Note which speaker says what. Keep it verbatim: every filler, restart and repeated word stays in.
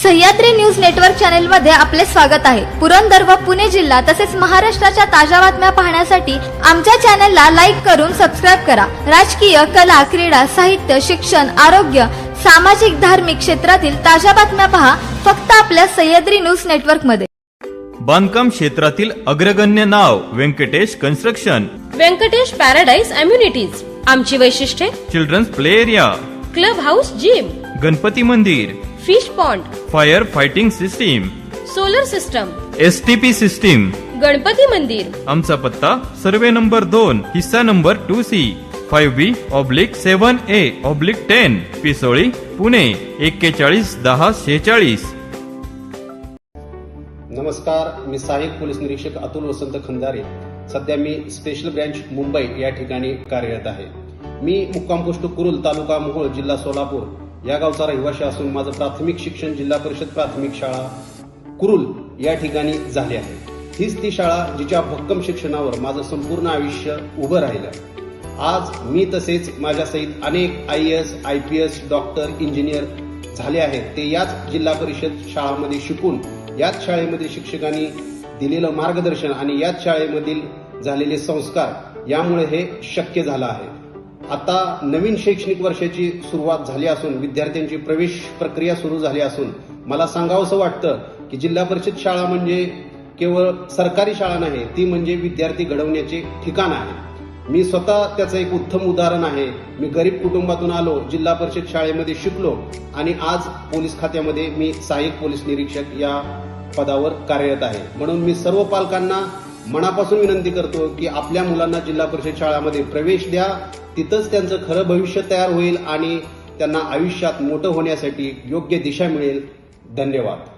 Speaker 1: Sahyadri news network channel मध्ये आपले स्वागत आहे। पुरंदर व पुणे जिल्हा तसेच महाराष्ट्राच्या ताज्या बातम्या पाहण्यासाठी आमच्या चॅनलला लाईक करून सबस्क्राइब करा। राजकीय, कला, क्रीडा, साहित्य, शिक्षण, आरोग्य, सामाजिक, धार्मिक क्षेत्रातील ताज्या बातम्या पहा फक्त आपल्या सह्याद्री न्यूज नेटवर्क मध्ये।
Speaker 2: बांधकाम क्षेत्रातील अग्रगण्य नाव Venkatesh construction,
Speaker 3: Venkatesh paradise amenities. आमची वैशिष्ट्ये:
Speaker 2: children's play area,
Speaker 3: club house, gym,
Speaker 2: Ganpati मंदिर,
Speaker 3: fish pond,
Speaker 2: fire fighting system,
Speaker 3: solar system,
Speaker 2: STP system,
Speaker 3: Ganpati मंदिर।
Speaker 2: आमचा पत्ता सर्वे नंबर दोन, हिस्सा number two C, five B oblique seven A oblique ten, Pisoli, Pune एक्केचाळीस दहा शेचाळीस।
Speaker 4: नमस्कार, मी सहाय्यक पोलीस निरीक्षक अतुल वसंत खंदारे। सध्या मी स्पेशल ब्रँच मुंबई या ठिकाणी कार्यरत आहे। मी मुक्काम पोस्ट कुरुल, तालुका मोहोळ, जिल्हा सोलापूर या गावचा रहिवासी असून माझं प्राथमिक शिक्षण जिल्हा परिषद प्राथमिक शाळा कुरुल या ठिकाणी झाले आहे। हीच ती शाळा जिच्या भक्कम शिक्षणावर माझं संपूर्ण आयुष्य उभं राहिलं। आज मी तसेच माझ्या सहित अनेक I A S, I P S, doctor, engineer झाले आहेत। ते याच जिल्हा परिषद शाळांमध्ये शिकून, याच शाळेमध्ये शिक्षकांनी दिलेलं मार्गदर्शन आणि याच शाळेमधील झालेले संस्कार यामुळे हे शक्य झालं आहे। आता नवीन शैक्षणिक वर्षाची सुरुवात झाली असून विद्यार्थ्यांची प्रवेश प्रक्रिया सुरू झाली असून मला सांगावंसं वाटतं की जिल्हा परिषद शाळा म्हणजे केवळ सरकारी शाळा नाही, ती म्हणजे विद्यार्थी घडवण्याचे ठिकाण आहे। मी स्वतः त्याचं एक उत्तम उदाहरण आहे। मी गरीब कुटुंबातून आलो, जिल्हा परिषद शाळेमध्ये शिकलो आणि आज पोलीस खात्यामध्ये मी सहाय्यक पोलीस निरीक्षक या पदावर कार्यरत आहे। म्हणून मी सर्व पालकांना मनापासून विनंती करतो की आपल्या मुलांना जिल्हा परिषद शाळामध्ये प्रवेश द्या। तिथंच त्यांचं खरं भविष्य तयार होईल आणि त्यांना आयुष्यात मोठं होण्यासाठी योग्य दिशा मिळेल। धन्यवाद।